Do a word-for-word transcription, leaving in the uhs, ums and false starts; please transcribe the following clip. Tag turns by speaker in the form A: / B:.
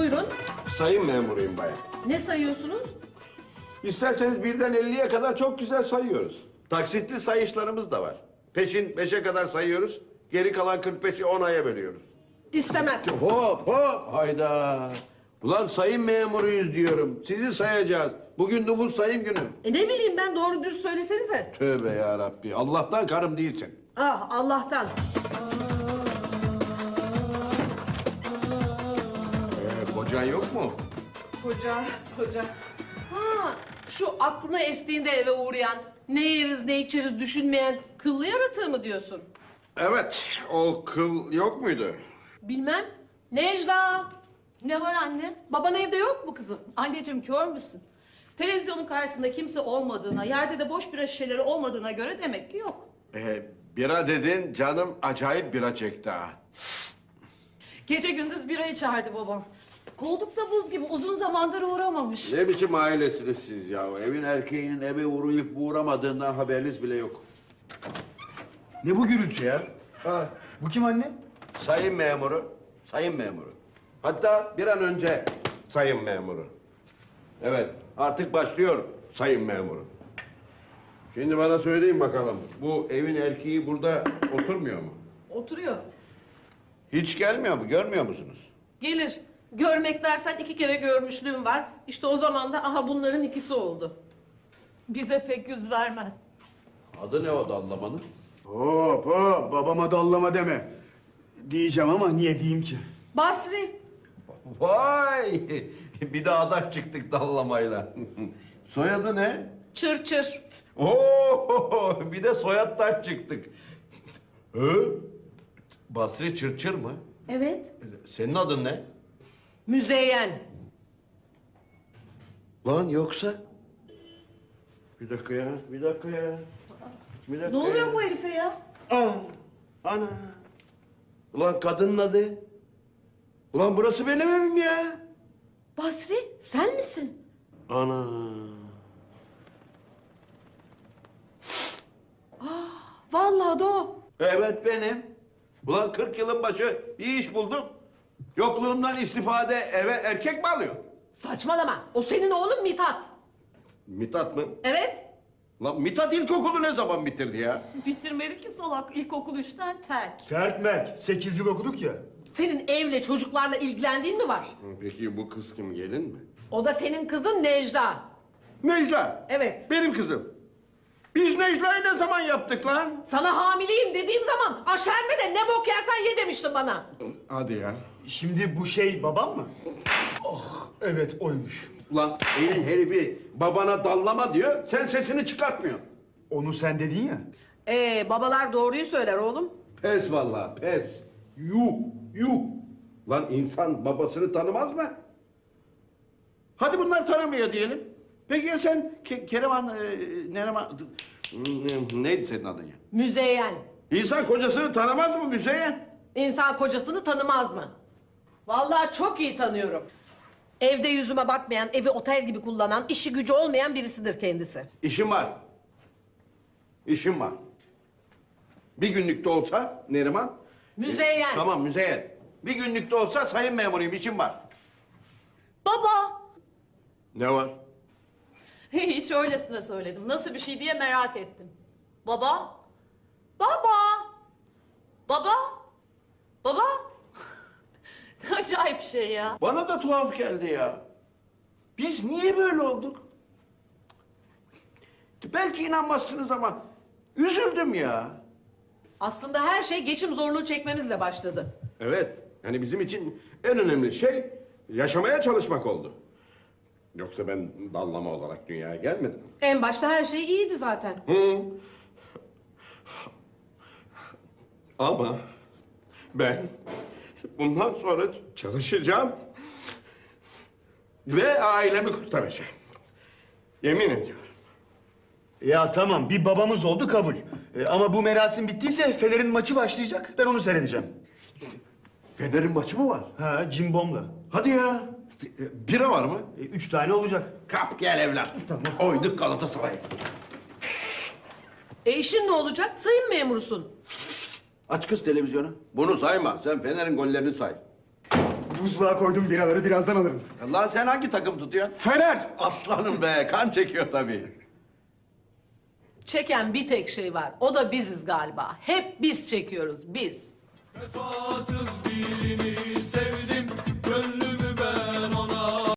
A: Buyurun.
B: Sayın memuruyum bayan.
A: Ne sayıyorsunuz?
B: İsterseniz birden elliye kadar çok güzel sayıyoruz. Taksitli sayışlarımız da var. Peşin beşe kadar sayıyoruz. Geri kalan kırk beşi on aya bölüyoruz.
A: İstemez.
B: Hop hop hayda. Ulan sayın memuruyuz diyorum. Sizi sayacağız. Bugün nüfus sayım günü.
A: E ne bileyim ben, doğru düz söylesenize.
B: Tövbe ya Rabbi. Allah'tan karım değilsin.
A: Ah, Allah'tan.
B: Ee, kocan yok mu?
A: Koca, koca. Ha, şu aklına estiğinde eve uğrayan, ne yeriz ne içeriz düşünmeyen kıllı yaratığı mı diyorsun?
B: Evet. O kıl yok muydu?
A: Bilmem. Necla,
C: Ne var anne?
A: baban evde yok mu kızım?
C: Anneciğim kör müsün? Televizyonun karşısında kimse olmadığına, yerde de boş bira şişeleri olmadığına göre demek ki yok.
B: Ee, bira dedin canım acayip bira çekti ha.
C: Gece gündüz bira içerdi babam. Koldukta buz gibi uzun zamandır uğramamış.
B: Ne biçim ailesiniz siz ya? Evin erkeğinin eve uğrayıp uğramadığından haberiniz bile yok.
D: Ne bu gürültü ya?
B: Ha,
D: Bu kim anne?
B: sayın memuru, sayın memuru. Hatta bir an önce sayın memuru. Evet, artık başlıyor sayın memuru. Şimdi bana söyleyin bakalım, bu evin erkeği burada oturmuyor mu?
A: Oturuyor.
B: Hiç gelmiyor mu, görmüyor musunuz?
A: Gelir. Görmek dersen iki kere görmüşlüğüm var. İşte o zaman da aha bunların ikisi oldu.
C: Bize pek yüz vermez.
B: Adı ne o dallamanın?
D: Hop hop, babama dallama deme. Diyeceğim ama niye diyeyim ki?
A: Basri.
B: Vay! Bir de adaş çıktık dallamayla. Soyadı ne?
A: Çır çır.
B: Oo! Bir de soyattan çıktık. Hı? Basri Çırçır mı?
A: Evet.
B: Senin adın ne?
A: Müzeyyen.
B: Lan yoksa? Bir dakika ya, bir dakika ya. Bir dakika
C: Ne oluyor
B: ya.
C: bu herife ya?
B: Aa, ana. Ulan kadının adı. Ulan burası benim evim ya.
A: Basri, sen misin?
B: Ana.
A: Vallahi de o.
B: Evet benim. Ulan kırk yılın başı bir iş buldum. Yokluğumdan istifade eve erkek mi alıyor?
A: Saçmalama. O senin oğlun Mithat.
B: Mithat mı?
A: Evet.
B: Lan Mithat ilkokulu ne zaman bitirdi ya?
C: Bitirmedi ki salak, ilkokul üçten terk.
D: Terk merk, sekiz yıl okuduk ya.
A: Senin evle çocuklarla ilgilendiğin mi var?
B: Peki bu kız kim, gelin mi?
A: O da senin kızın Necla.
B: Necla.
A: Evet.
B: Benim kızım. Biz Necla'yı ne zaman yaptık lan?
A: Sana hamileyim dediğim zaman aşerme de ne bok yersen ye demiştin bana.
B: Hadi ya.
D: Şimdi bu şey babam mı? Oh, evet oymuş.
B: Ulan elin herifi babana dallama diyor, sen sesini çıkartmıyorsun.
D: Onu sen dedin ya.
A: Ee, babalar doğruyu söyler oğlum.
B: Pes vallahi, pes. Yuh, yuh. Lan insan babasını tanımaz mı? Hadi bunlar tanımıyor diyelim. Peki ya sen Ke Kereman, e, Nereman... Hmm, Neydi senin adın ya?
A: Müzeyyen.
B: İnsan kocasını tanımaz mı Müzeyyen?
A: İnsan kocasını tanımaz mı? Vallahi çok iyi tanıyorum. Evde yüzüme bakmayan, evi otel gibi kullanan, işi gücü olmayan birisidir kendisi.
B: İşim var. İşim var. Bir günlük de olsa Neriman...
A: Müzeyyen.
B: Tamam Müzeyyen. Bir günlük de olsa sayın memuruyum, işim var.
C: Baba!
B: Ne var?
C: Hiç öylesine söyledim. Nasıl bir şey diye merak ettim. Baba? Baba! Baba? Baba? Ne acayip şey ya.
B: Bana da tuhaf geldi ya. Biz niye böyle olduk? Belki inanmazsınız ama üzüldüm ya.
A: Aslında her şey geçim zorluğu çekmemizle başladı.
B: Evet, yani bizim için en önemli şey yaşamaya çalışmak oldu. Yoksa ben dallama olarak dünyaya gelmedim.
A: En başta her şey iyiydi zaten.
B: Hı. Ama ben bundan sonra çalışacağım ve ailemi kurtaracağım. Yemin ediyorum.
D: Ya tamam, bir babamız oldu kabul. E, ama bu merasim bittiyse Fener'in maçı başlayacak. Ben onu seyredeceğim.
B: Fener'in maçı mı var?
D: Ha, cimbomla.
B: Hadi ya. Bira var mı?
D: E, üç tane olacak.
B: Kap gel evlat.
D: Tamam.
B: Oyduk Galatasaray.
A: E işin ne olacak? Sayın memurusun.
B: Aç kız televizyonu. Bunu sayma. Sen Fener'in gollerini say.
D: Buzluğa koydum biraları, birazdan alırım.
B: Lan sen hangi takım tutuyorsun?
D: Fener!
B: Aslanım be, kan çekiyor tabii.
A: Çeken bir tek şey var. O da biziz galiba. Hep biz çekiyoruz biz.
E: Vefasız birini sevdim,